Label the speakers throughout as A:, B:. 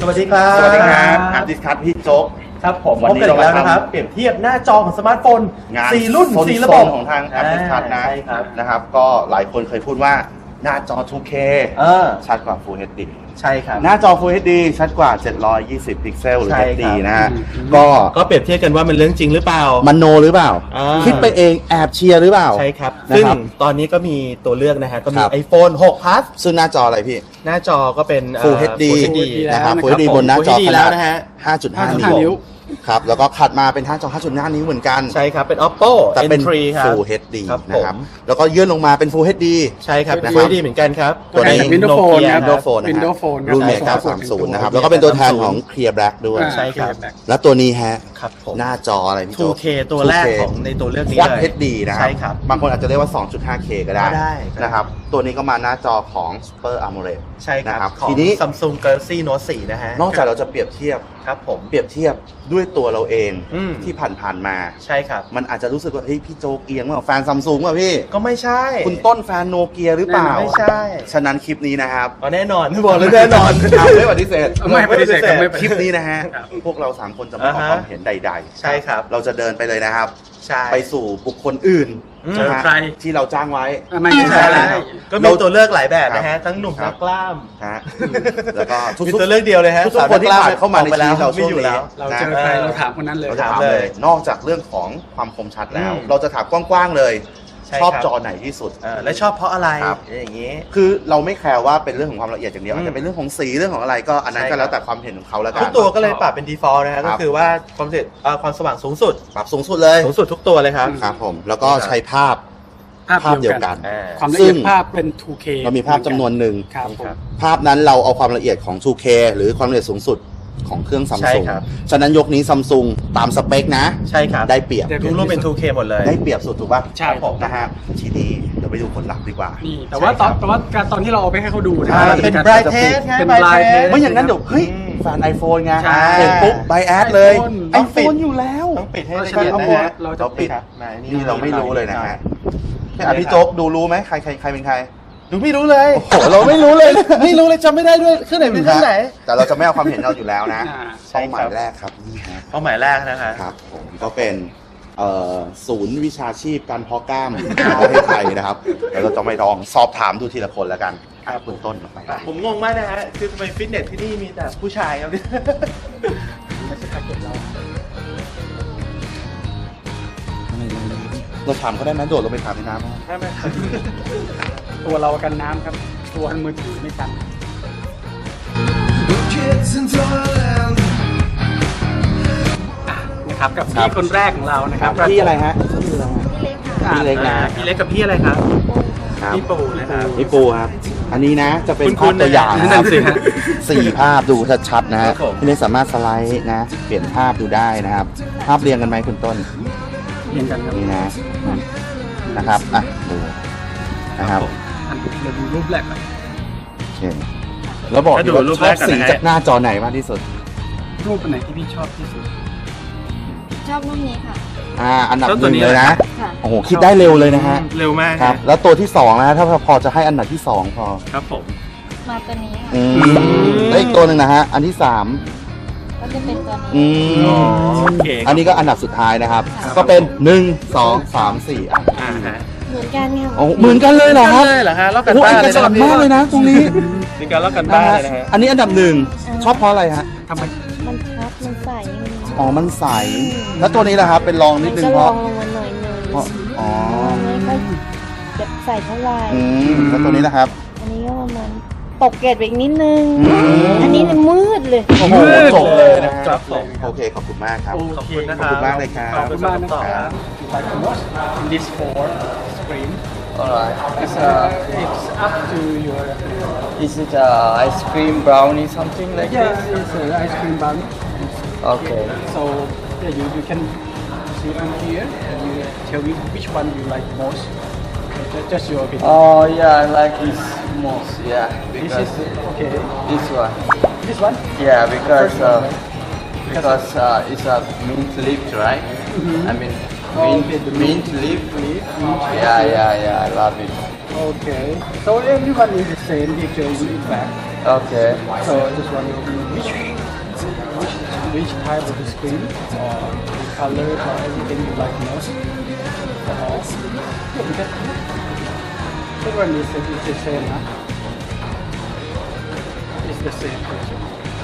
A: วัสดีครับ
B: สวัสดีครับแอปดิสคัทพี่โจ๊ก
A: ครับผม
B: วันนี้
A: พบกันอีกแล้ว
B: เรามา
A: นะครับ เปรียบเทียบหน้าจอของสมาร์ทโฟน
B: งาน
A: 4 รุ่น 4 ระบบ
B: ของทางแอปดิสคัทนะ
A: ใช่ครับ
B: นะครับ ก็หลายคนเคยพูดว่าหน้าจอ 2K ชัดกว่า Full HD
A: ใช่ครับ
B: หน้าจอ Full HD ชัดกว่า 720 พิกเซลหรือ
A: ใช่ครับ
B: HD นะฮะก็
A: ก็เปรียบเทียบกันว่ามันเรื่องจริงหรือเปล่า
B: มันโนหรือเปล่า คิดไปเองแอบเชียร์หรือเปล่า
A: ใช่ครับ
B: นะ
A: ซึ่ง
B: ครับ
A: ตอนนี้ก็มีตัวเลือกนะฮะก็มี
B: ครับ
A: iPhone 6 Plus
B: ซึ่งหน้าจออะไรพี่
A: หน้าจอก็เป็น
B: Full HD
A: Full HD
B: นะครับ
C: แล้ว
B: Full HD บนหน้าจอ
A: Full HD
B: ข
A: แล้
B: นาด
A: วนะฮะ
B: 5.5
C: 5.5
B: นิ้วครับแล้วก็ถัดมาเป็นหน้าจอ 5.5 นิ้วเหมือนกัน
A: ใช่ครับ เป็น Oppo
B: แต่เป็น
A: N3 ครับ
B: Full HD
A: ครับ
B: นะครับ
A: ผม
B: แล้วก็ยื่นลงมาเป็น Full HD
A: ใช่ครับ
B: นะครับ
A: Full HD เหมือนกันครับ
B: ตัวนี้
C: Windows Phone ครับ
B: Windows Phone นะฮะ
C: Windows Phone
B: รุ่นเม
C: ครับ
B: 930 นะครับ แล้วก็เป็นตัวแทนของ Clear Black ด้วย
A: ใช่ครับ
B: แล้วตัวนี้ฮะ
A: ครับผม
B: หน้าจออะไรพี่โจ๊ก
A: 2K ตัวแรกของในตัวเลือกนี้
B: Quad
A: เลย
B: HD นะครั
A: ใช่ครับ
B: บางคนอาจจะเรียกว่า 2.5K ก็ได้
A: ก็ได้ครับ
B: นะครับ ตัวนี้ก็มาหน้าจอของ Super AMOLED
A: ใช่ค
B: นะครั
A: รั
B: บบ
A: ของ
B: ทีนี้
A: Samsung Galaxy Note 4 นะฮะ
B: นอกจากเราจะเปรียบเทียบ
A: ครับผม
B: เปรียบเทียบด้วยตัวเราเอง
A: อืม
B: ที่ผ่านๆมา
A: ใช่ครับ
B: มันอาจจะรู้สึกว่าเฮ้ยพี่โจ๊กเอียงว่าแฟนซัมซุงว่ะพี่
A: ก็ไม่ใช่
B: คุณต้นแฟนโนเกียหรือเปล่า
A: ไม่ใช่
B: ฉะนั้นคลิปนี้นะครับ
A: อ๋อแน่นอนบอกเลยแน่นอน
B: ไม่ปฏิเสธ
C: ไม่ปฏิเสธครับไม่ป
B: ค
C: ฏิ
B: ลิป
C: เสธ
B: นี้นะฮะ พวกเราสามคนจะไม่ขอความเห็นใดๆ
A: ใช่ครับ
B: เราจะเดินไปเลยนะครับ
A: ใช่
B: ไปสู่บุคคลอื่น
A: อืม
B: นะฮะ
C: ใคร
B: ที่เราจ้างไว้
C: ไม่
A: ใช่
C: ใช่
A: แล้ว
C: แล้ว
A: ก็มีตัวเลือกหลายแบบนะฮะ ทั้งหนุ่ม
B: ครั
A: ทั้
B: บ
A: งกล้าม
B: นะฮะแล้วก็ทุก
A: มีตัวเลือกเดียวเลยฮะ
B: ทุกคนที่ผ่านเข้ามาในชีวิตเราช่วง
A: ไม่อยู่
B: นี้
A: แล้ว
C: เราเจอใครเราถามคนนั้นเลย
B: เราจะถาม
A: ถาม
B: เล
A: เลย ย
B: นอกจากเรื่องของความคมชัดแล้ว
A: อืม
B: เราจะถามกว้างๆเลย
A: ใช่
B: ชอบ
A: ครับ
B: จอไหนที่สุด
A: และชอบเพราะอะไร
B: ครับ
A: อย่างนี้
B: คือเราไม่แคร์ว่าเป็นเรื่องของความละเอียดอย่างเดียว
A: อืม
B: อาจจะเป็นเรื่องของสีเรื่องของอะไรก็อันนั้น
A: ใช่
B: ก็
A: ครับ
B: แล้วแต่ความเห็นของเขาแล้วกั
A: ทุ
B: น
A: กตัวก็เลยปรับเป็น default นะฮะ
B: ครั
A: ก็
B: บ
A: คือว่าความสว่างสูงสุด
B: ปรับสูงสุดเลย
A: สูงสุดทุกตัวเลยครับ
B: ครับผมแล้วก็ใช้ภาพเดียวกัน
A: อ่า
C: ความละเอียดภาพเป็น 2K
B: เรามีภาพจำนวนหนึ่ง
C: ครับผม
B: ภาพนั้นเราเอาความละเอียดของ 2K หรือความละเอียดสูงสุดของเครื่องซัม
A: ใช่
B: ซุง
A: ครับ
B: ฉะนั้นยกนี้ซัมซุงตามสเปคนะ
A: ใช่ครับ
B: ได้เปรียบ
A: ทุกรูปเป็น 2K หมดเลย
B: ได้เปรียบสุดถูกป่ะ
C: ใช่
A: ครับผม
B: นะฮะทีนี้เดี๋ยวไปดูผลลัพธ์ดีกว่า
C: นี่แต่ว่า
A: ใช่ครับ
C: แต่ว่าการตอนที่เราเอาไปให้เขาดูนะ
A: เป็น
C: การ
A: bright
C: จะปิด
A: test ไง
C: เป็น
A: bright
C: blind
A: test
C: test
B: ไม่อย่างนั้นเดี๋ยวเฮ้ย
A: อืม
B: แฟน iPhone ไง
C: ใช่
B: เสร็จปุ๊บไบแอดเลย
C: iPhone
A: ต้องปิด
B: iPhone อยู่แล้ว
A: ต้องปิดให้
C: เพ
A: ละ
C: ราะฉะ
A: เอียด
C: นั้น
A: นะฮะ
C: เราจะ
B: เราปิด
A: ครับ
B: นี่เราไม่รู้เลยนะฮะ
A: ใช่
B: อ่ะพี่โจ๊กดูรู้ไหมใครเป็นใคร
A: ดูไม่รู้เลย
B: โอ้โหเราไม่รู้เลย
A: ไม่รู้เลยจำไม่ได้ด้วยเครื่องไหนเป็นเครื่องไหน
B: แต่เราจะไม่เอาความเห็นเราอยู่แล้วนะ
A: ใช่
B: เป้า
A: ครับ
B: หมายแรกครับนี่ฮะ
A: เป้าหมายแรกนะคะ
B: ครับผมก็เป็นศูนย์วิชาชีพการเพาะกล้ามของประเทศไทยนะครับแล้วเราจะไม่ลองสอบถามดูทีละคนแล้วกันครับคุณต้นไป
A: ผมงงมากนะฮะ คือทำไมฟิตเนสที่นี่มีแต่ผู้ชายครับเนี่ย
B: เราถามเขาได้ไหมโดดลงไปถามในน้ำไหม
A: ใช่ไหม
C: ตัวเรากันน้ำครับ ตัวมือถือไม่กัน นะครับกับพี่คนแรกของเรานะครับ
B: พี่อะไรฮะพี่เล็กนะ
A: พี่เล็กกับพี่อะไรครับ
B: ครับ
A: พี่ปูนะครับ
B: พี่ปูครับ อันนี้นะจะเป็น
A: คุ
B: ภาพ
A: ณๆ
B: ตัวอย่าง
A: นะ
B: นะครับ
A: นั่นสิฮะ
B: สี่ภาพดูชัดๆนะ
A: ครั
B: ฮะ
A: บผม
B: พี่เล็กสามารถสไลด์นะ เปลี่ยนภาพดูได้นะครับ ภาพเรียงกันไหมคุณต้น
C: เรียนกันครับ
B: นี่นะนะครับอ่ะดูนะครับ
C: อันเราดูรูปแรกก่อน
B: โอเคแล้วบอก
A: ถ้าดู
B: ว่า
A: รูป
B: ช
A: แร
B: อก บ
A: ก่อน
B: สี
A: นะฮะ
B: จากหน้าจอไหนมากที่สุด
C: รูปอันไหนที่พี่ชอบที่สุด
D: ชอบรูปนี้ค่ะ
B: อันดับ
A: แล้ว
B: ห
A: ตัว
B: นึ่ง
A: นี้
B: เลยนะ
D: ค่ะ
B: โอ้โหคิดได้เร็วเลยนะฮะ
A: เร็วมาก
B: ครับ
A: ฮะ
B: แล้วตัวที่สองนะถ้าพอจะให้อันดับที่สองพอ
A: ครับผม
D: มาตัวนี้ค่ะ
B: อืมแล้วอีกตัวหนึ่งนะฮะอันที่สาม
D: ก็จะเป็นตัว
B: อื
D: นี้
B: ม
A: อ๋อโอเค
B: อันนี้ก็อันดับสุดท้ายนะครับ
D: ครับ
B: ก็เป็น1 2 3 4อ่ะ
A: ฮะ
D: เหมือนกันค่ะ
B: โอ้เหมือนกันเลยเหรอครับ
A: ได้เหรอฮะลอกกัน
B: โอ้โห
A: บ้า
B: เอน ก
A: เลย
B: ฉันท์มากเลยนะตรงนี้
A: มีการลอกกันบ้านเลยนะฮะ
B: อันนี้อันดับหนึ่งชอบเพราะอะไรฮะ
C: ทำไม
D: มันชัดมันใสมัน
B: อ๋อมันใสแล้วตัวนี้ล่ะครับเป็นรองนิดนึง
D: ก็
B: เพ
D: ลอ
B: ราะ
D: งลงมาหน่อยนึง
B: เพราะอ๋อ
D: ไม่ค่อยแบบใส่เท่าไหร่
B: แล้วตัวนี้นะครับ
D: อันนี้ก็ประมาณตกเกรดไปอีกนิดนึง
B: อืม
D: อันนี้เนี่ยมืดเลย
B: โอ้โหจบเลยนะฮะ
A: ครับผม
B: โอเคขอบคุณมากครับ
A: ขอบคุณนะค
B: ขอบ
A: รับ
B: คุณมากเลยครับ
A: ขอบคุณมากนะค
C: ขอบคุณมากนะครั
A: รับ
C: บ like to watch in this for screen
E: Alright.
C: it's up to your
E: Is it ice cream brownie something like
C: yes
E: this?
C: it's ice cream bun
E: Okay.
C: so yeah, you can see from here and you tell me which one you like most just your opinion
E: Oh yeah, I like this most. Yeah,
C: this
E: because
C: is okay
E: this one.
C: this one
E: Yeah, because it's a mint leaf, right? I mean mint leaf. Yeah, I love it.
C: okay so everyone is the same picture in fact
E: Okay.
C: So just wondering which type of the screen or the color or everything you like most. Yeah, because everyone is the same, huh? It's the same picture.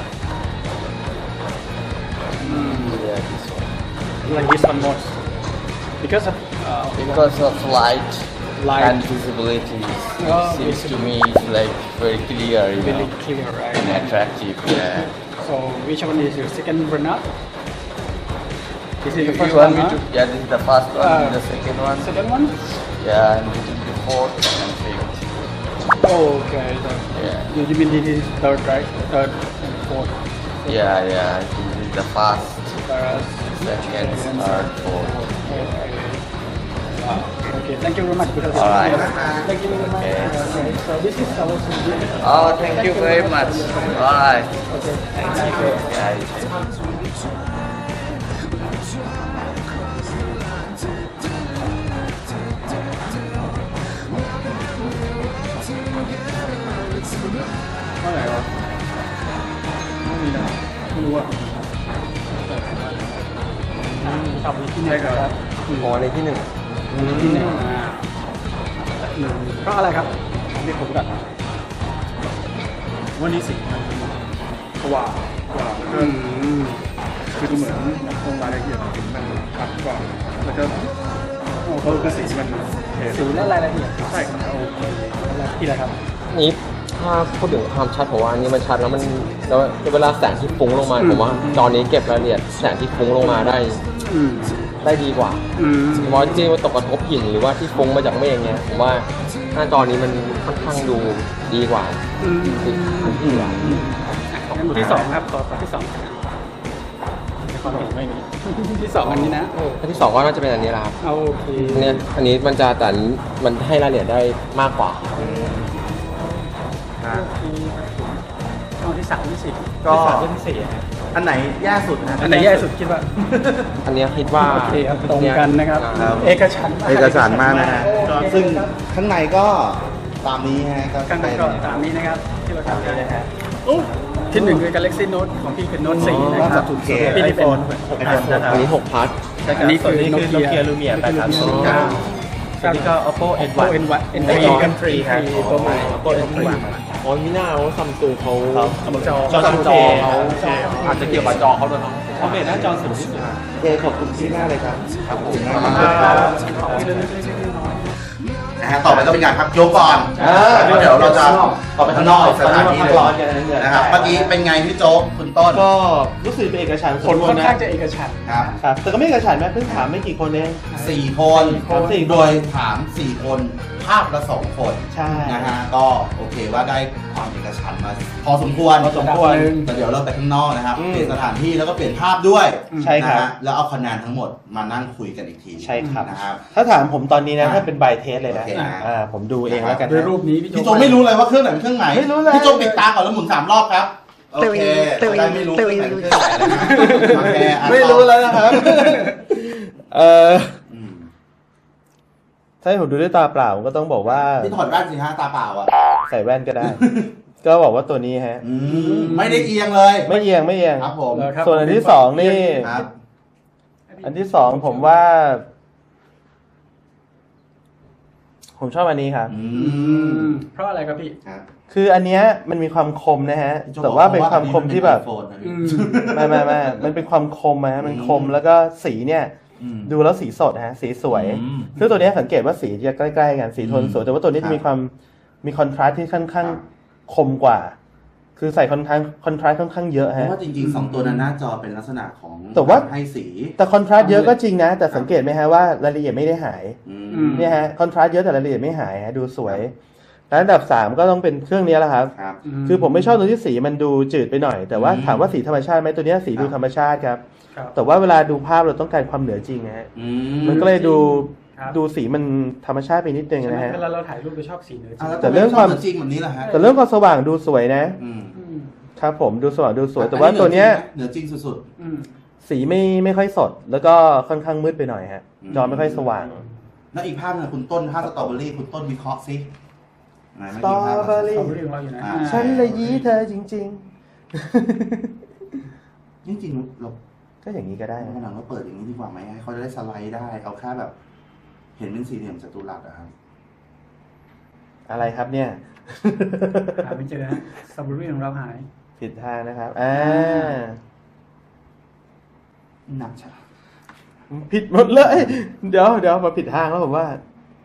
E: Yeah, this one.
C: Like this one most. Because of
E: Because of light
C: Light.
E: and visibility,
C: Oh,
E: seems to me it's like very clear, you
C: really
E: know,
C: clear, right?
E: and attractive. Yeah.
C: So which one is your second runner? This is the
E: You
C: first
E: want
C: one,
E: me
C: huh?
E: to? Yeah, this is the first one.
C: Uh,
E: the second one.
C: Second one?
E: Yeah, and this is the fourth and fifth.
C: Oh, okay. So
E: Yeah.
C: you mean this is third, right? Third and fourth.
E: Yeah, yeah. This is the first,
C: First,
E: second, third, fourth.
C: Okay. Wow. Okay. Thank you very much.
E: All right.
C: Thank you very much.
E: Okay.
C: Okay. So this is our solution.
E: Oh, thank you very much. All right.
C: Okay.
E: Thank you, guys.
C: เท่าไหร่วะไม่มีนะไม่รู้อ่ะขับที่ไหนครับ
F: อ๋อในที่หนึ่ง
C: ที่ไหนหนึ่งเพราะอะไรครับเรียกผมก่อน
A: วันนี้สิกว่าก็คือเหมือนลงรายละเอียดถึงมันชัดกว่าแล้วก็คือสีมันเห็น
C: สีและรายละเอียด
A: ใช่ครับ
C: โอเคแล้วที่อะไรครับ
F: นี่ถ้าพูดถึงความชัดผมว่าอันนี้มันชัดแล้วมันแล้วเวลาแสงที่ฟุ้งลงมาผมว่าจอนี้เก็บรายละเอียดแสงที่ฟุ้งลงมาได้ดีกว่าเพราะที่ว่าตกกระทบหินหรือว่าที่ฟุ้งมาจากเมฆเนี้ยผมว่าหน้าจอนี้มันค่อนข้างดูดีกว่าที่หลัง
C: ที่สองครับต่อที่สองในความเห็นไม่มีที่สองอันนี้นะ
F: อันที่สองก็น่าจะเป็นอันนี้แหละครับ
C: เอาโอเค
F: เนี่ยอันนี้มันจะแต่มันให้รายละเอียดได้มากกว่า
C: เอาที่สามที่สี่
A: ก็
C: ที่สี่
A: อันไหนแย่สุดนะ
C: อันไหนแย่สุดคิดว่า
F: อันเนี้ยคิดว่า
C: โอเคครับตรงกันนะครับ
B: ครับ
C: เอกฉันท์มาก
B: เอกสารมากนะฮะ
C: โอเค
B: ซึ่งข้างในก็ตามนี้ฮะก็
C: ข้างใน
B: เป็น
C: ก็ตามนี้นะครับที่เราทำได้เลยฮะที่หนึ่งคือ Galaxy Note ของพี่คือ Note 4นะ
B: ก็
C: ครั
B: จะ
C: บ
B: ถูกเค
C: พี่นี่เป็น
F: อันนี้6 พัท
C: อันนี้คือ Nokia
A: Lumia 830
C: ครับ
A: นี่ก็ Oppo
C: Oppo
A: N1
C: N3
A: M3 ครับ
C: ตัวใหม่
A: Oppo N3
F: อ๋อมีหน้าว่าซัมซุงเขา
A: จอ
F: จอเขา
A: อาจจะเกี่ยวกับจอเขาด้วยเนาะเขาเป็นหน้าจอสูงที่สุด
B: โอเคขอบคุณที่หน้าเลยครับครับผมนะฮะต่อไปก็เป็นการพักยกก่อนแล้วเดี๋ยวเราจะต่อไปข้างนอกอีกสถานที่หนึงนะครับเมื่อกี้เป็นไงพี่โจ๊กคุณต้น
A: ก็รู้สึกเป็นเอกฉันท์
C: ผลค่อน
A: นะ
C: ข้างจะเอกฉันท์
B: ครับ
A: ครับแต่ก็ไม่เอกฉันท์นะเพิ่งถามไม่กี่คนเอง
B: 4 คน
A: 4
B: โดยถาม 4 คนภาพละ 2 คน
A: ใช่
B: นะฮะก็โอเคว่าได้ความเอกฉันท์มาพอสมควร
A: พอสมควร
B: แต่เดี๋ยวเราไปข้างนอกนะครับ
A: อืม
B: เปลี่ยนสถานที่แล้วก็เปลี่ยนภาพด้วย
A: ใช่ครับ
B: นะฮะแล้วเอาคะแนนทั้งหมดมานั่งคุยกันอีกที
A: ใช่ครับ
B: นะครับ
A: ถ้าถามผมตอนนี้นะ
B: อ่ะ
A: ถ้าเป็นใบเทสเลยนะ
B: โอเคนะ
A: ผมดูเองแล้วกัน
C: ด้วย
A: นะ
C: รูปนี้
B: พี่โจไม่รู้เลยว่าเครื่องไหนเป็นเครื่องไหน
A: ไม่รู้เลย
B: พี่โจปิดตาก่อนแล้วหมุน3 รอบครับโอเคจะได้ไม่รู้เครื่องไหนเป็นเครื่องไหนนะฮะโอเคอ่ะ
A: ไม่รู้แล้วนะครับ
B: อืม
A: ถ้าให้ผมดูด้วยตาเปล่าผมก็ต้องบอกว่า
B: พี่ถอดแว่นสิฮะตาเปล่าอ่ะ
A: ใส่แว่นก็ได้ ก็บอกว่าตัวนี้ฮะ
B: ไม่ได้เอียงเลย
A: ไม่เอียงไม่เอียง
B: ครับผม
A: ส่วนอันที่สองนี่
B: ครับ
A: อันที่สองผมว่า ผมชอบอันนี้ครับ
C: เพราะอะไรครับพี่
B: ครับ
A: คืออันเนี้ยมันมีความคมนะฮะ แต่ว่าเป็นความคมที่แบบ ไม่มันเป็นความคมนะฮะมันคมแล้วก็สีเนี่ย ดูแล้วสีสดฮะสีสวย ซึ่งตัวเนี้ยสังเกตว่าสีจะใกล้ๆกันสีโทนสวยแต่ว่าตัวนี้จะมีความมีคอนทราสต์ที่ค่อนข้างคมกว่า คือใส่คอนทราสต์ค่อนข้างเยอะ
B: เพ
A: ฮะ
B: ราะว่าจริงๆ2 ตัวนั้นหน้าจอเป็นลักษณะของ
A: แต่ว่า
B: ให้สี
A: แต่คอนทราสต์เยอะก็จริงนะ แต่สังเกตไหมฮะว่ารายละเอียดไม่ได้หาย เนี่ยฮะคอนทราสต์เยอะแต่รายละเอียดไม่หายฮะดูสวยแล้วอันดับ3ก็ต้องเป็นเครื่องนี้แหละครับ
B: ครับ
A: คือผมไม่ชอบตรงที่สีมันดูจืดไปหน่อย แต่ว่าถามว่าสีธรรมชาติไหมตัวเนี้ยสีดูธรรมชาติครับ
C: ครับ
A: แต่ว่าเวลาดูภาพเราต้องการความเหนือจริงนะฮะ มันก็เลยดูสีมันธรรมชาติไปนิดนึง
C: ใช่ไหม
A: นะฮะ
C: เวลาเราถ่ายรูปไปชอบสีเหนือจริง
B: อ่ะ
A: แต่เรื่องความ
B: จริงแบบนี้แหละฮะ
A: แต่เรื่องความสว่างดูสวยนะ ครับผมดูสว่างดูสวย แต่ว่าตัวเนี้ย
B: เหนือจริงสุด
A: สีไม่ค่อยสด แล้วก็ค่อนข้างมืดไปหน่อยฮะ จอไม่ค่อยสว่าง
B: ๆแล้วอีกภาพหนึงคุณต้นภาพสตรอเบอรี่คุณต้นวิเคราะห์ซิ
A: สตรอเบอรี่
C: สตรอเบอรี่ของเราอยู่นะ
A: ฉันเลยยี้เธอจริง
B: จริงๆเรา
A: ๆ ก็อย่างนี้ก็ได้
B: วันหลังเราเปิดอย่างนี้ดีกว่าไหมให้เขาจะได้สไลด์ได้เอาแค่แบบ เห็นเป็นสี่เหลี่ยมจัตุรัสอะครับ
A: อะไรครับเนี่ย
C: หาไม่เจอฮะสตรอเบอรี่ของเราหาย
A: ผิดทางนะครับ
B: หนักใช่
A: ผิดหมดเลย เดี๋ยวมาผิดทางแล้วผมว่า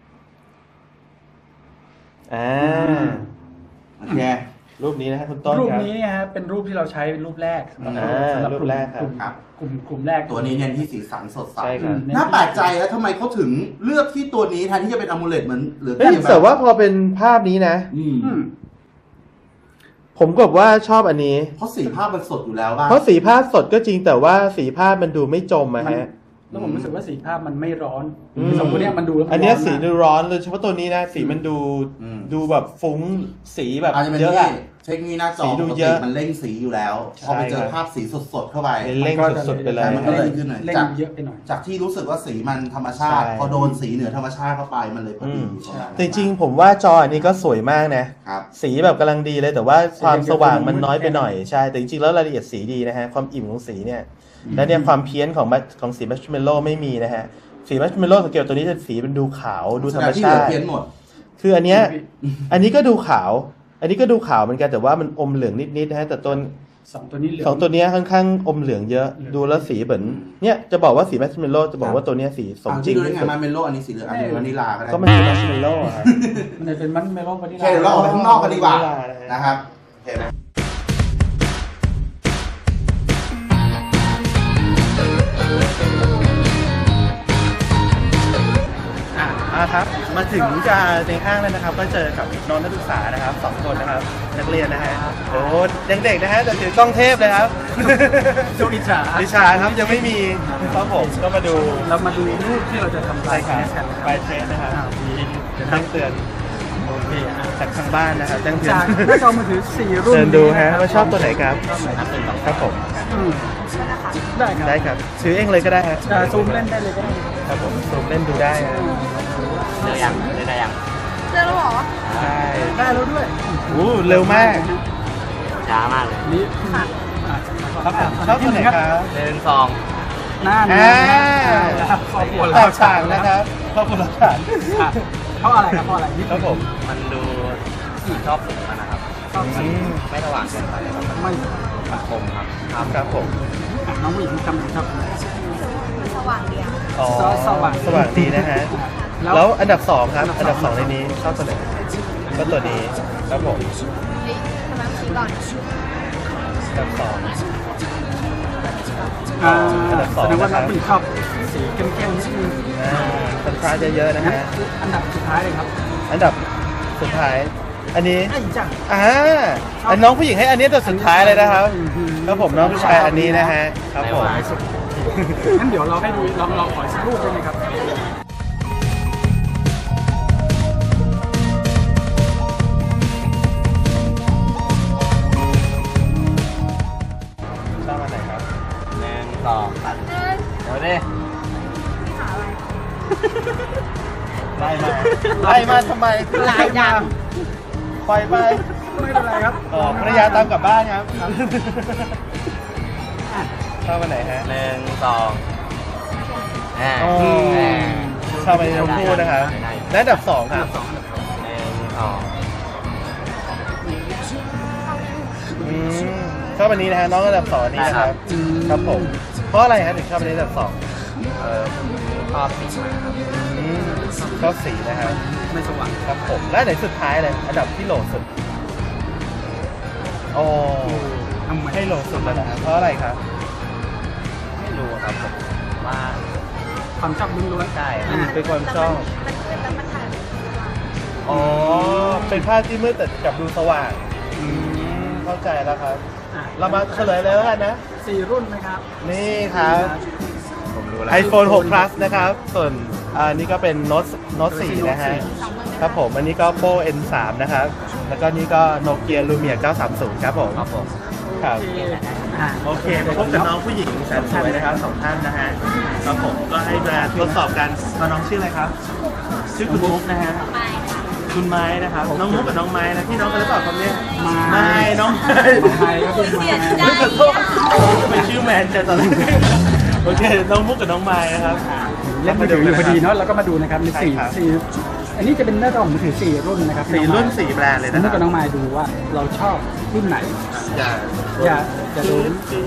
B: โอเค
A: รูปนี้นะฮะคุณต้น
C: รูป
A: ครับ
C: นี้เนี่ยฮะเป็นรูปที่เราใช้เป็นรูปแรกสำหรับ
A: รูปแรกครับ
C: กลุ่มแรก
B: ตัวนี้เน้นที่สีสันสดใส
A: ใช่ครับ
B: น่าแปลกใจแล้วทำไมเขาถึงเลือกที่ตัวนี้แทนที่จะเป็นอะมูเลตเหมือนหรือ
A: เฮ้ยแต่ว่าพอเป็นภาพนี้นะ
B: อืม
A: ผมกับว่าชอบอันนี้
B: เพราะสีภาพมันสดอยู่แล้วบ้าง
A: เพราะสีภาพสดก็จริงแต่ว่าสีภาพมันดูไม่จมอะฮะ
C: แล้วผมรู้สึกว่าสีภาพมันไม่ร้อน
A: อืม
C: สองตัวเนี้ยมันดูแล้วมั
A: อันเนี้ย
C: ร้
A: สี
C: มาก
A: ดูร้อนเลยเฉพาะตัวนี้นะ สีมันดู
B: อืม
A: ดูแบบฟุ้งสีแบบ
B: อาจจะเป็น
A: เยอะ
B: ที่
A: อะ
B: เทคโนโลยีหน้าจอ
A: สีดู
B: ปก
A: เย
B: ติ
A: อะ
B: มันเร่งสีอยู่แล้ว
A: ใช่
B: พอไปเจอ
A: ครับ
B: ภาพสีสดๆเข้าไป
A: เร่งสุดๆไปเลย
B: มันก็เลยขึ้นหน่อย
C: เล่น
B: จาก
C: เยอะไปหน่อย
B: จากที่รู้สึกว่าสีมันธรรมชาติ
A: ใช่
B: พอโดนสีเหนือธรรมชาติเข้าไปมันเลยพอดี
A: แต่จริงๆผมว่าจออันนี้ก็สวยมากนะ
B: ครับ
A: สีแบบกำลังดีเลยแต่ว่าความสว่างมันน้อยไปหน่อยใช่แต่จริงๆแล้วรายละเอียดสีดีนะฮะความอิ่มของสีเนี่ยและเนี่ยความเพี้ยนของสีมัชเมลโล่ไม่มีนะฮะสีมัชเมลโล่สังเกตตัวนี้จะสีมันดูขาวดูธรรม
B: ที่เห
A: ชา
B: ลือ
A: ติ
B: เพี้ยนหมด
A: คืออันเนี้ยอันนี้ก็ดูขาว อันนี้ก็ดูขาวเหมือนกันแต่ว่ามันอมเหลืองนิดๆนะฮะแต่ตัว
C: สองตัวนี้เหลือง
A: สองตัวเนี้ยค่อนข้างอมเหลืองเยอะ ดูแล้วสีเหมือนเนี่ยจะบอกว่าสีมัชเมลโล่จะบอกว่าตัวเนี้ยสีสมจริง
B: ดูได้
A: ที่
B: ไง
A: สุด
B: มาเมลโล่อันนี้สีเหลืองอันนี้วานิลาก็ได้
A: ก็มันคือมัชเมลโล่อะครับ
C: มันเลยเป็นมันเมลอนวานิ
B: โอ
C: ลา
B: เคเดี๋ยวเราออกไปข้างนอกกันดีกว่า
A: วานิลานะฮะ
B: นะครับโอเคไหม
A: ครับมาถึงจะในห้างแล้วนะครับ ก็เจอกับน้องนักศึกษานะครับสองคนนะครับนักเรียนนะฮะโอ้ยังเด็กนะฮะแต่ถือกล้องเทพเลยครับ
C: โจอิจา
A: วิชาครับยังไม่มีครับผมก็มาดู
C: เรามาดูรูปที่เราจะทำ
A: ใช่ครับ
C: กันนะค
A: ไป
C: รับ
A: เทรนนะครับ
C: มี
A: จะแจ้งเตือน
C: โอเคอ่ะ
A: จากทางบ้านนะครับแจ้งเตือน
C: จากหน้าจอมือถือ4รุ่น
A: เชิญดูฮะ
C: นี้น
A: ว่าชอบตัวไหนครับ
C: ชอบไหนครับ
A: ครับผม
C: อืมได้ครับ
A: ได้ครับซื้อเองเลยก็ได้ฮะ
C: ซูมเล่นได้เลยก็ได้
A: ครับผมซูมเล่นดูได้ฮะ
E: เจอยังได้ยัง
D: เจอแล้วเหรอ
A: ใช่
C: ได้แล้วด้วย
A: อู้เร็วมาก
E: ช้ามากเลย
C: นี่
A: ครับผมชอบตัวไหนครับ
E: 1 2
C: หน้า
A: อ่า
C: ครอบครัว
A: แตกต่างนะครับครอบครัวหลักฐาน
C: เพราะอะไรครับเพราะอะไรนี่
A: ครับผม
E: มันดูสีชอบสีมันนะครับ
C: ชอบสี
E: ไม่สว่างเกินไปครับมัน
C: ไม่
E: คมครับ
A: ครับผม
C: น้องผู้หญิงจำเป็นชอบสี
D: สว่างเดียว
A: อ๋อ
C: สว่าง
A: สว่างดีนะฮะ
C: แล้ว
A: แล้วอันดับ 2 ครับ อันดับ 2 ในนี้ชอบตัวไหนก็ตัวนี้ครับผม
D: ทำไมสีก่อน
A: อันดับ 2
C: อันดับสองแสดงว่าน้องผู้หญิงชอบสีเข้มๆนิดนึง
A: คอนทราสต์เยอะๆนะ
C: งั้น
A: ฮะ
C: อันดับสุดท้ายเลยครับ
A: อันดับสุดท้าย อันนี้
C: ไอ้จัง
A: อันน้องผู้หญิงให้อันนี้ตัวสุดท้ายเลยนะครับครับผมน้องผู้ชายอันนี้นะฮะครับผม
C: ท้ายสุดงั้นเดี๋ยวเราให้ดูลองขออีกสักรูปได้ไหมครับ
A: ชอบอันไหนครับ
E: 1 2 3เอาดิ
A: ไล่มาทำไม
D: หลายอย่าง
A: ปล่อยไป
C: ไม่เป็นไรครับ
A: ภรรยาตามกลับบ้านครับชอบอันไหนฮะ
E: 1 2
A: อ๋อชอบอันนี้ทั้งคู่นะครับและอันดับ 2 ครับ
E: 1 2
A: ชอบอันนี้นะฮะน้องอันดับ 2อันนี้นะครับครับผมเพราะอะไรฮะถึงชอบอันนี้อันดับ 2
E: ชอบสีมันครับ
A: ชอบสีนะครับ
C: ไม่สว่าง
A: ครับผมและไหนสุดท้ายเลยอันดับที่โหลสุดอ๋อ
C: ทำไม
A: ให้โหลสุดแล้วนะครับเพราะอะไรครับ
E: ไม่รู้ครับผมว่า
C: ความชอบล้วนๆ
E: ใช่
A: เป็นความชอบอ๋อเป็นภาพที่มืดแต่กลับดูสว่างเข้าใจแล้วครับ เรามาเฉลยเลยแล้วกันนะ
C: 4 รุ่นนะครับ
A: นี่ครับ
E: ผมรู้แล้ว
A: iPhone 6 Plus นะครับ ส่วนอันนี้ก็เป็น Note 4 นะฮะ ครับผม อันนี้ก็ Oppo N3 นะครับ แล้วก็นี่ก็ Nokia Lumia 930 ครับผม
E: ครับผม
A: ครับ โอเคมาพบกับน้องผู้หญิงแสนสวยนะครับสองท่านนะฮะ ครับผมก็ให้มาทดสอบกันน้องชื่ออะไรครับ ชื่อคุณมุกนะฮะ คุณคุณไม้นะครับ น้องมุกกับน้องไม้นะพี่น้องกันหรือเปล่าครับเนี่ย
C: ไม้
A: น้อง
C: ไม้ก็เป็นไม้
A: ขอโทษทำไมชื่อแมนจังตอนแรกโอเคน้องมุกกับน้องไม้นะครับ
C: เล่นมือถืออยู่พอดีเนาะเราก็มาดูนะครับมี
A: ใช่ครับ
C: สี่อันนี้จะเป็นหน้าจอมือถือ4รุ่นนะครับ
A: สี่รุ่นสี่แบรนด์เลย
C: แล้
A: นะ
C: ว
A: ครั
C: ก็น้องมายดูว่าเราชอบรุ่นไหน
A: อย่า
C: อย่าดู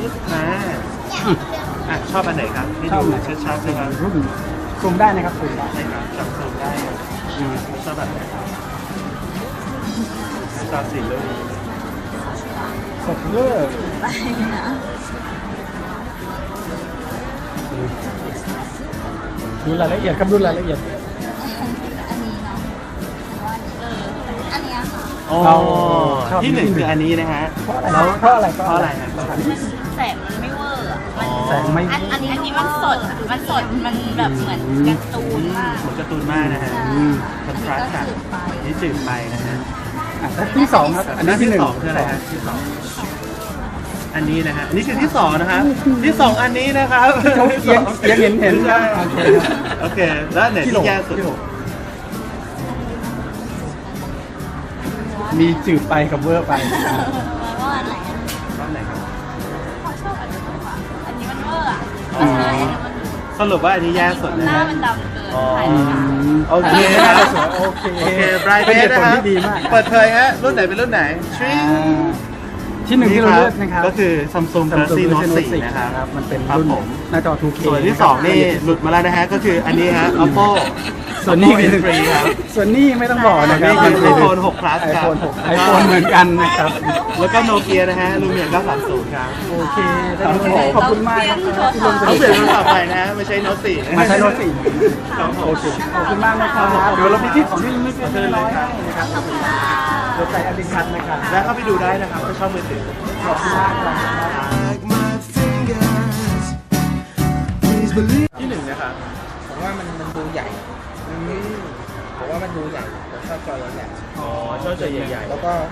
A: ชอบอันไหนครับให้
C: ชอบ
A: ดู
C: ไหน
A: ชัดๆนะครับ
C: รุ่นซูมได้นะครับซูมได้
A: ใช่ครับจับซูมได้ครับชอบแบบไหนครับชอบสีรุ่น
C: สดเวอร์ดูรายละเอียดครับดูรายละเอียด
D: อันนี้ค่ะ
A: อ๋อ
C: ชอบ
A: ที่หนึ่งคืออันนี้นะฮะ
C: แล้วเพราะอะไร
A: เพราะอะไรฮะ
D: แสงมันไม่เวอร์อะ
C: แสงไม่
D: อันนี้มันสดอะมันสด มันแบบเหมือนการ์ตูนมาก
A: เหมือนการ์ตูนมากนะฮะคอนทราสต์ค่ะนี่จืดไปนะฮะ
C: แล้วที่สองครับอันนี้ที่หนึ่ง
A: สองคืออะไรฮะที่สองอันนี้นะฮะอันนี้คือที่สองนะฮะที่สองอันนี้นะครับ
C: เขาเอียงเห็น
A: ใช่
C: โอเคครับ
A: โอเคแล้วอันไหนที่แย่สุด
C: มีจืดไปกับเวอร์ไป
D: ว่าอันไหนอะ
A: รอบไหนครับ
D: ขอชอบอันนี้มากกว่าอันนี้มันเวอร์อะ
A: อ๋อ สรุปว่าอันนี้แย่สุดนะ
D: หน้า
A: ฮะ
D: มันดำเกิน
A: อ๋อ
D: ถ่ายไม่ได้
A: โอเคครับ
C: โอเค
A: โอเคไบรท์เบ
C: เป็นเห
A: ส
C: ตุ
A: นะ
C: ผล
A: ครับ
C: ที่ดีมาก
A: เปิดเผยฮะรุ่นไหนเป็นรุ่นไหนทริ
C: ที่หนึ่งที่เราเลือกนะครับ
A: ก็คือ Samsung Galaxy Note 4 นะครับ
C: มันเป็น
A: ครับ
C: รุ่น
A: ผม
C: หน้าจอ 2K
A: ส่วนที่สองนี่หลุดมาแล้วนะฮะ ก็คืออันนี้ฮะ Oppo
C: ส่วนนี้
A: Oppo N3 ครับ
C: ส่วนนี้ไม่ต้องบอกนะครับ
A: ส่วนนี้คือ iPhone 6 Plus ครับ
C: iPhone 6 iPhone เหมือนกันนะครับ
A: แล้วก็โนเกียนะฮะ Lumia 930 ครับ
C: โอเคขอบคุณมากครับที่ลง
A: เขาเปลี่ยนโทรศัพท์ใหม่นะฮะไม่ใช่ Note 4นะ
C: มาใช้รถสี่
A: ครับผม
C: โอเคขอบคุณมากนะครับเดี๋ยวเรามีที่ของที่ระลึกเล็กๆน้อยๆให้นะครับเดี๋ยวใส่อดิคัทนะครับ
A: แล้วเข้าไปดูได้นะครับถ้าชอบมือถือ
C: ขอบคุณมากครับ
A: ที่หนึ่งนะครับ
G: ผมว่ามันดูใหญ่ผมว่ามันดูใหญ่ผมชอบจอใหญ่
A: อ๋อชอบจอใหญ่
G: ๆแล้วก็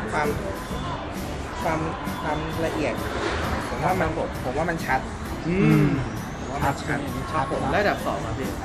G: ความละเอียด ผมว่ามันชัด
A: ๆอืม
G: ผมว่ามันชัด
A: ครับผมระดับ2ครับพี่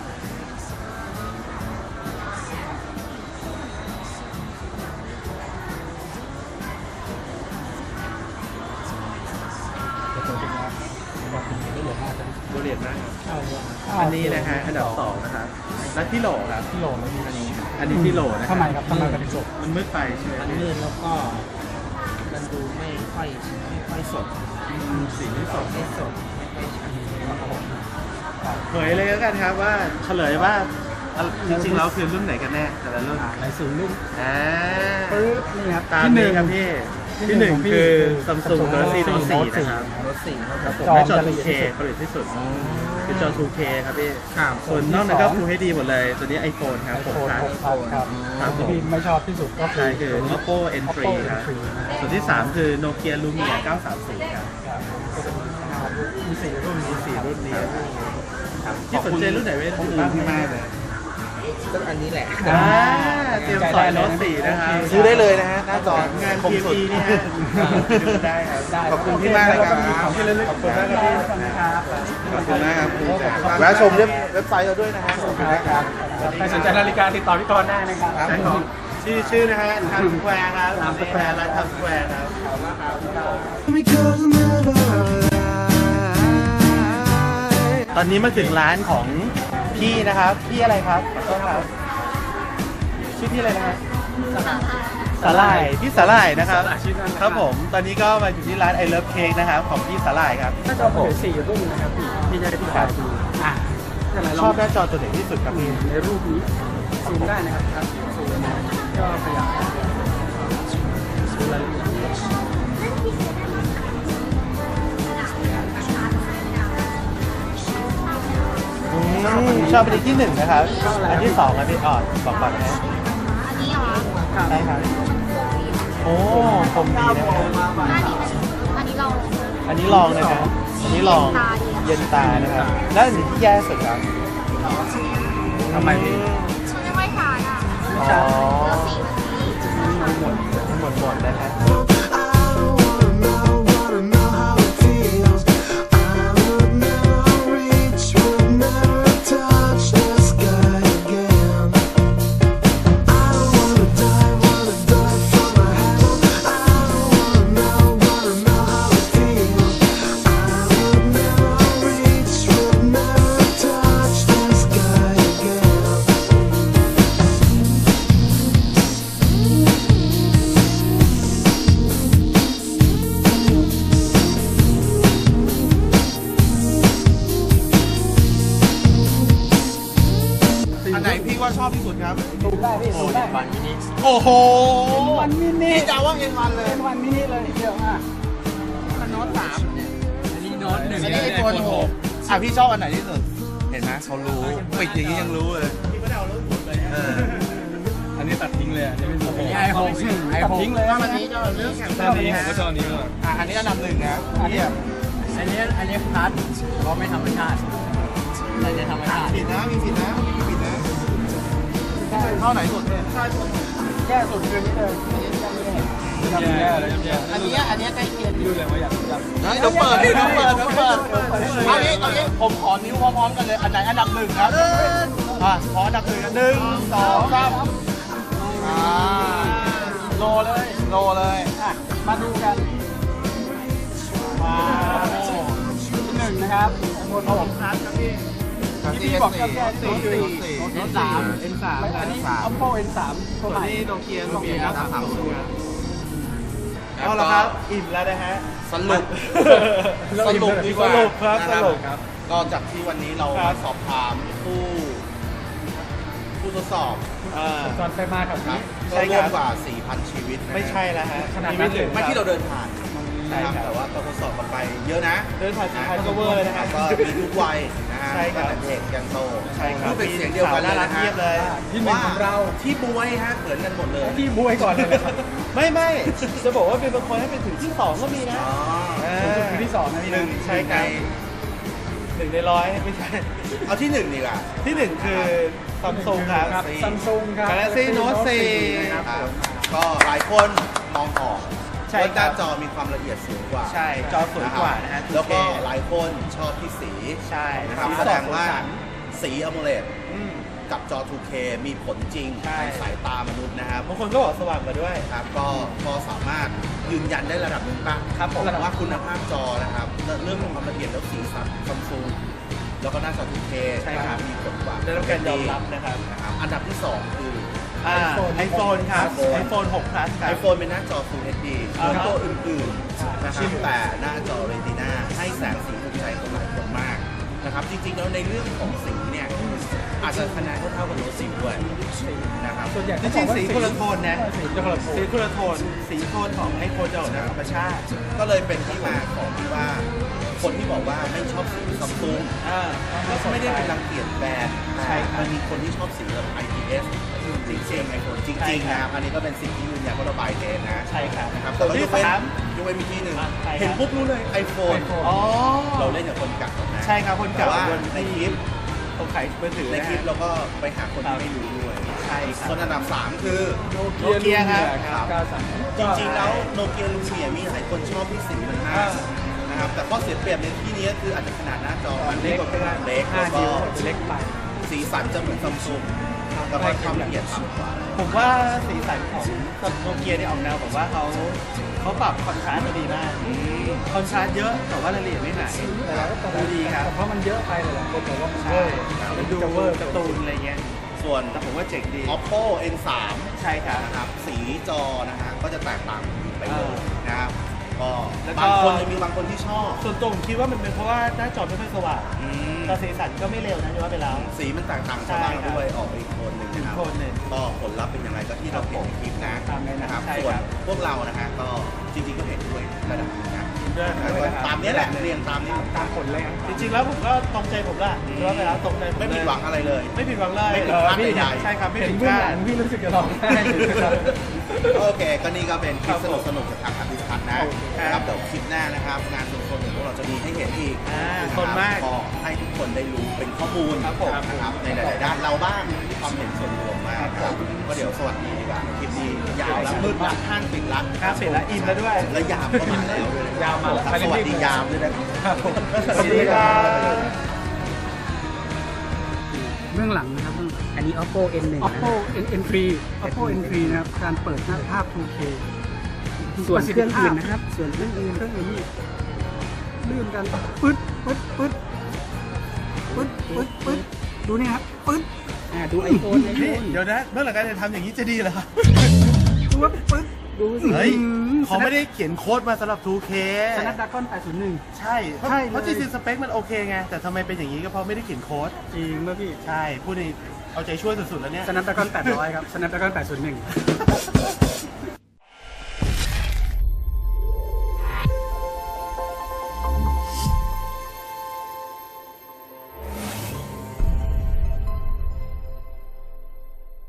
A: ดูเรียนมากอันนี้นะฮะอันดับ2นะครับและที่โหลครับ
C: ที่โหลแล้วมีอันนี้
A: อันนี้ที่โหลนะ
C: ทำไมครับทำไมกันจบ
A: มันมืดไปใช่ไหม
G: มันลื่นแล้วก็มันดูไม่ค่อยสด
A: สีที่สอง
G: ไม่สดไม่ค่อยชัด
A: เผยเลยแล้วกันครับว่าเฉลยว่าจริงๆแล้วคือรุ่นไหนกันแน่แต่ละรุ่น
C: ในศูนย์รุ่น
A: อ่า
C: ปึ๊บนี่ครับ
A: ตาม
C: ที่ห
A: นี้
C: นึ่ง
A: ครับพี่ ที่หนึ่งคือ Samsung Galaxy Note 4 นะครับ
G: รถสีครับ
A: ครับผม
C: จอ
A: และจอ
C: จะละเอียด
A: 2K ผลิตที่สุดคือจอ 2K ครับพี่
G: ครับ
A: ส่วนนอกนั้นก็ Full HD หมดเลย ตัวนี้ iPhone ครับ
C: ไอโฟน
A: 6
C: 6
A: ครับ
C: ครับ
A: ครับผม
C: ที่ไม่ชอบที่สุดก็คื
A: ใช่
C: อ
A: คือ Oppo N3 ครับ ส่วนที่ 3 คือ Nokia Lumia 930 ครับ
C: มีสี่รุ่น
A: มี4รุ่นนี้ครับที่สนใจรุ่นไหนเป็นบ้างพี่มากเลย
G: ก็อันนี้แหละ
A: เตรียมสอยโน้ต4นะครับ
B: ซื้อได้เลยนะฮะ หน้าจอง
A: าน
B: คมสุด
A: PMP นี่ฮะดูได้ครับ
B: ขอบคุณพี่มากเลยครับ
C: ของที่ระลึก
A: ขอบคุณมากครับพี่
C: ครับ
B: ขอบคุณมากครับแวะชมเว็บไซต์เราด้วยนะฮะ
C: ครับใครสนใจนาฬิกาติดต่อพี่กรณ์ได้นะครับ
A: ใช่ของชื่อนะฮะทำสแควร์ครับทำสแควร์ร้านทำสแควร์ครับ ตอนนี้มาถึงร้านของพี่นะครับ พี่อะไรครับขอโทษครับ ชื่อพี่อะไรนะฮะสาหร่ายพี่สาหร่ายนะครับ ครับผม ตอนนี้ก็มาอยู่ที่ร้าน I Love Cake นะครับของพี่สาหร่ายครับ
C: น่าจะเอาไปสี่รุ่นนะครับพี่จะได้พี่ขาดูอ่ะ
A: ชอบหน้าจอตัวไหนที่สุดครับพี่
C: ในรูปนี้ซูมได้นะครับซูมก็ขยับซูมรายละเอียด
A: ชอบเป็นที่หนึ่งนะครับ อันที่สองอันที่บอกก่อนนะ
D: อันนี้เหรอ
A: ใช่ครับ โอ้คมดีนะครับ
D: อันนี้เรา
A: อันนี้ลองนะครับ อันนี้ลองเย็นตานะครับ แล้วอันนี้ที่แย่สุดครับ
C: ทำไมพี่
D: มันไม่ค่อยทานอ่ะ
A: อ๋อ
D: เราสีมันดี
A: หมดนะครับ
H: Touch the sky again. I don't wanna
B: อบที่สุดครับ
C: ซูมได้พี่ซูมได้
E: วันมินิ
B: โอ้โห
C: วันมินิ
B: พี่จะว่าเอ็นวันเลย
C: เป็นวันมินิเลยเดียวอ่ะ
G: มันโน้ต3เนี่ย
E: อันนี้โน้ต1
B: อันนี้ไอโฟน6อ่ะพี่ชอบอันไหนที่สุด เห็นไหมเขารู้ปิดอย่างนี้ยังรู้เลยพี่ไม่ได้เอาเรื่องผมเลยเออ
C: อันนี้ตัดทิ้งเลยอันนี้ไม่ซูม
E: ไอโฟนไอ
C: ตัด
E: โฟน
C: ทิ้งเลย
B: อันนี้ก็เรื่องแข่ง
C: อันนี้ผมก็ชอบอันนี้เลย
B: อันนี้อันดับ1นะ
C: อันนี้
E: อันนี้พลัสเพราะไม่ธรรมชาติแต่จะธรรมชาติ
B: ผิดนะมีผิดนะผิดนะเท่าไหนสุดเนี่ย
C: แย่สุดคือนี่เลยแย่เลย
G: อันนี้ใกล้เคียง
C: ดูเลยว่าอยาก
B: เดี๋ยวเปิดดิเดี๋ยวเปิดเอางี้ผมขอนิ้วพร้อมๆกันเลย อันไหนอันดับ1ครับขออันดับ1กัน1 2 3โลเลย
C: อ่ะมาดูกันว้าวที่หนึ่งนะครับโน้ต6ครับพี่บอกแค่4 N3 อันนี้ Oppo N3 ตัวใหม่
A: นี่โนเกีย
C: ครับ
A: เอาละครับ อิ่มแล้วนะฮะ
B: สรุปดีกว่า
A: สรุปครับ
B: นะ
A: สรุป
B: ก็จากที่วันนี้เรา
A: ครับ
B: สอบถามผู้ทดสอบ
C: ตอนไปมาแถว
B: ครั
C: นี้
B: บ
A: ใช่
B: ก็
A: ครับ
B: ร่วมกว่า 4,000 ชีวิตนะฮะ
A: ไม่ใช่แล้วฮะ
C: ขนาดนั้นเลย
B: ไม่ที่เราเดินผ่าน
A: ใช่
B: นะครับ
A: ครับ
B: แต่ว่าก็ทดสอบกันไปเยอะนะ
A: เดินผ่าน4,000ก็เวอร์เลยนะฮะ
B: ก็มีทุกวัยนะฮะ
A: ใช่ครับ
B: ตั้งแต่เด็กยันโต
A: ใช่ครับ
B: พูดเป็นเสียงเดียวกันเลย
A: น่ารัก
B: นะฮะ
A: เทียบเลย
C: ที่หนึ่งของเรา
B: ที่บวยฮะเหมือนกันหมดเลย
C: ที่บวยก่อนเลยครับ
A: ไม่จะบอกว่าเป็นบางคนให้เป็นถึงที่2ก็มีนะ
B: อ๋อ
C: คือที่2นะพี่
B: หนึ่ง
A: ใช่ครับ 1 ใน 100ไม่ใช่
B: เอาที่1ดีกว่า
A: ที่ 1 คือซัมซุงครับ
C: ครับซัมซุงครับ
A: Galaxy Note 4
C: ครับ
B: ครับก็หลายคนมองออก
A: ใช่
B: ว่าห
A: ครั
B: น้า
A: บ
B: จอมีความละเอียดสูงกว่า
A: ใช่จอสวยกว่านะฮะ
B: แล้วก็หลายคนชอบที่สี
A: ใช่
B: นะครับ
A: สี
B: แส
A: ส
B: ด
A: อง
B: งว่า
A: สีสัน
B: สีอโมเลด
A: อืม
B: กับจอ 2K มีผลจริง
A: ใช่
B: ในสายตามนุษย์นะครับ
A: บางคนก็บอกสว่างกว่าด้วย
B: ครับก็สามารถยืนยันได้ระดับหนึ่งป่ะ
A: ครับผม
B: ว่าคุณภาพจอนะครับเรื่องของความละเอียดแล้วสีสันซัมซุงแล้วก็หน้าจอ 2K
A: ใช่ครับ
B: มีผลกว่า
A: ได้รับการยอมรับนะครับ
B: นะครับอันดับที่ 2 คือ
A: iPhone ครับ
B: iPhone
A: iPhone 6 Plus ครับ
B: iPhone เป็นหน้าจอ Full HD
A: อ่า
B: เหมือน
A: ฮะ
B: ตัวอื่นๆนะครับแต่หน้าจอ Retina ให้แสงสีถูกใจคนหลายคนมากนะครับจริงๆแล้วในเรื่องของสีเนี่ยอาจจะคะแนนเท่าๆกับโน้ต10ด้วยนะครับ
C: ส่วนใหญ่
A: จริงๆสีคนละโทนนะ
C: สีคนละโทน
A: สีคนละโทน สีโทนของ iPhone จะออกแนวธรรมชาติ
B: ก็เลยเป็นที่มาของที่ว่าคนที่บอกว่าไม่ชอบสีซัมซุง ก็ไม่ได้เป็นรังเกียจแบรนด์
A: ใช่ครับ
B: มันมีคนที่ชอบสีแบบ IPS จริงๆไอโฟนจ
A: ใช่
B: ริงๆ
A: ครับ
B: นะครับอันนี้ก็เป็นสิ่งที่ยืนยันว่าเราบายเทสนะ
A: ใช่ครับ
B: นะครับ
A: ส่
B: แต่
A: วน
B: ว่าย
A: ที่
B: กเว้น
A: สาม
B: ยกเว้นมีที่หนึ่ง
A: ใช่ครับ
B: เห็นปุ๊บรู้เลย iPhone
A: อ๋อ
B: เราเล่นกับคนเก่านะ
A: ใช่ครับคนเก่า
B: แต่ว่า
A: บน
B: ในคลิป
A: เขาขายมือถือ
B: ใน
A: นะ
B: คลิป
A: ฮะ
B: เราก็ไปหาคนที่ไม่รู้ด้วย
A: ใช่ครับ
B: ส่วนอันดับ 3 คือ
A: โนเกียครับ
B: จริงๆ แล้วโนเกียลูเมียมีหลายคนชอบที่สีมันมากนะครับแต่ข้อเสียเปรียบในที่นี้ก็คืออาจจะขนาดหน้าจอมันเล็กกว่าเล็กแล้วก็
C: เล็กไป
B: สีสันจะเหมือนซัมซุงแต่ว่าความละเอียดต่ำกว่า
A: ผมว่าสีสันของโนเกียเนี่ยออกแนวผมว่าเขาปรับคอนทราสต์มาดีมากคอนทราสต์เยอะแต่ว่ารายละเอียดไม่หายดูดีครับ
C: เพราะมันเยอะไปเลยคนบอกว่ามัน
A: ใช่
C: เวอร์
A: มันดูเวอร์การ์ตูนอะไรเงี้ย
B: ส่วน
A: แต่ผมว่าเจ๋งดี
B: Oppo N3
A: ใช่ครับ
B: นะครับสีจอนะฮะก็จะแตกต่างไปเลยนะครับก็
A: แล้วก็
B: บางคนจะมีบางคนที่ชอบ
A: ส่วนตัวผมคิดว่ามันเป็นเพราะว่าหน้าจอไม่ค่อยสว่าง
B: อืม
A: แต่สีสันก็ไม่เร็วนะจะว่าไปแล้ว
B: สีมันแตกต่างชาวบ้านด้วยออกไปอีกโทนหนึ่งนะครับ
A: อีกโทนหนึ่ง
B: ก็ผลลัพธ์เป็นยังไงก็ที่เราเห็นในคลิปนะ
A: ตามนั้น
B: นะครับ
A: ใช่
B: ส่วน
A: ครับ
B: พวกเรานะฮะก็จริงๆก็เห็นด้วยระดับหนึงนะ
A: ด้วย
B: ตามนี้แหละเรียงตามนี้
C: ตามผลเลยครับ
A: จริงๆแล้วผมก็ตรงใจผมละจะว่าไปแล้วตรงใจผม
B: ไม่ผิดหวังอะไรเลย
A: ไม่ผิดหวังเลย
B: ไม่ผิดพลาดใดๆ
A: ใช่ครับไม่
C: เห็น
A: ผิดพ
C: เบื้อง
A: ลา
C: หลั
A: ด
C: งพี่รู้สึกจะร้องไห้อยู่นะครับ
B: โอเค ก็นี่ก็เป็นคลิปสนุกๆจากทางอภิพัฒน์นะ
A: ครับ
B: นะครับเดี๋ยวคลิปหน้านะครับ งานสนๆของพวกเราจะมีให้เห็นอีก
A: สนมาก
B: ก็ให้ทุกคนได้รู้เป็นข้อมูล
A: ครับผม
B: นะครับในหลายๆด้านเราบ้างความเห็นส่วนรวมมากครับก็เดี๋ยวสวัสดีดีกว่าคลิปนี้ยาวแล้วมืดละห้างปิดละ
A: ครับเสร็จแล้วอิ่มแล้วด้วย
B: และยามก็มาแล้วด้วย
C: ยามมาแล้ว
B: ครับสวัสดียามด้วยนะครับ
A: สวัสดีครับ
C: เบื้องหลังนะครับเบื้องหลัง
H: อันนี้ Oppo N1
C: Oppo N3 Oppo N3 นะครับ การเปิดหน้าภาพ 2K
H: ส่วนเครื่องอื่นนะครับ ส่วนเครื่องอื่น
C: เครื่องอื่นนี่ลื่นกันปึ๊ดปึ๊ดปึ๊ดปึ๊ดปึ๊ดปึ๊ดดูนี่ครับปึ๊ด
H: ดู iPhone
A: นี่เดี๋ยวนะเมื่อหลังการจะทำอย่างนี้จะดีเหรอครับ
C: ปึ๊ดปึ๊ด
H: ดูสิ
A: เฮ้ยเขาไม่ได้เขียนโค้ดมาสำหรับ 2K
C: Snapdragon 801
A: ใช่เพราะ
C: ใช่
A: เพราะจริงๆสเปคมันโอเคไง แต่ทำไมเป็นอย่างนี้ก็เพราะไม่ได้เขียนโค้ด
C: จริงป่ะพี่
A: ใช่ พูดในเอาใจช่วยสุดๆแล้วเนี่ย
C: Snapdragon 800 ครับ Snapdragon 801